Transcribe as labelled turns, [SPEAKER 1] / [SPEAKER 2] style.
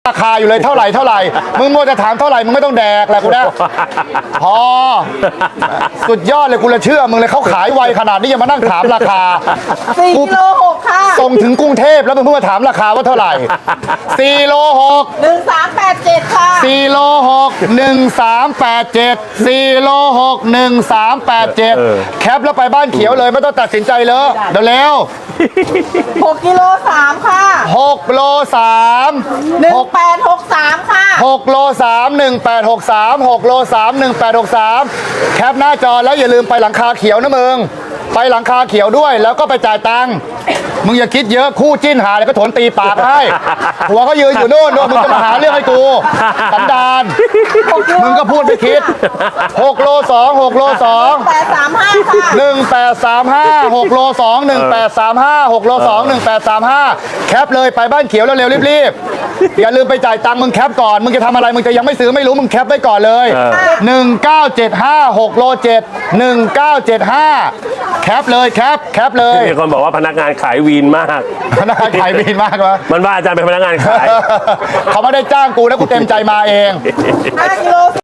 [SPEAKER 1] ราคาอยู่เลยเท่าไหร่มึงมัวจะถามเท่าไหร่มึงไม่ต้องแดกแหละกูนะพอสุดยอดเลยกูเลยเชื่อมึงเลยเขาขายไวขนาดนี้ยังมานั่งถามราคา
[SPEAKER 2] 4กิโล6ค่ะ
[SPEAKER 1] ส่งถึงกรุงเทพแล้วมึงเพิ่งมาถามราคาว่าเท่าไหร่4โล6
[SPEAKER 2] 1387ค่ะ
[SPEAKER 1] 4โล6 1387 4โล6 1387แคปแล้วไปบ้านเขียวเลยไม่ต้องตัดสินใจเลยเร็ว
[SPEAKER 2] 6กิโล3ค่ะ
[SPEAKER 1] 6โล3
[SPEAKER 2] 1863ค่ะ
[SPEAKER 1] 6โล3 1863 6โล3 1863แคปหน้าจอแล้วอย่าลืมไปหลังคาเขียวนะมึงไปหลังคาเขียวด้วยแล้วก็ไปจ่ายตังค์มึงอย่าคิดเยอะคู่จิ้นหาเลยก็ถนตีปากให้หัวก็ยืนอยู่โน่นมึงจะมาหาเรื่องให้กูสันดานมึงก็พูดไม่คิด6โล2 6โล2
[SPEAKER 2] 835ค่ะ
[SPEAKER 1] 1835 6โล2 1835 6โล2 1835แคปเลยไปบ้านเขียวเร็วๆรีบๆอย่าลืมไปจ่ายตังค์มึงแคปก่อนมึงจะทำอะไรมึงจะยังไม่ซื้อไม่รู้มึงแคปไว้ก่อนเลย1975 6โล7 1975แคปเลยแคปเลย
[SPEAKER 3] มีคนบอกว่าพนักงานขายวีนมาก
[SPEAKER 1] พนักงานขายวีนมากวะ
[SPEAKER 3] มันว่าอาจารย์เป็นพนักงานขาย
[SPEAKER 1] เขาไม่ได้จ้างกูนะกูเต็มใจมาเอง
[SPEAKER 2] 5กิโล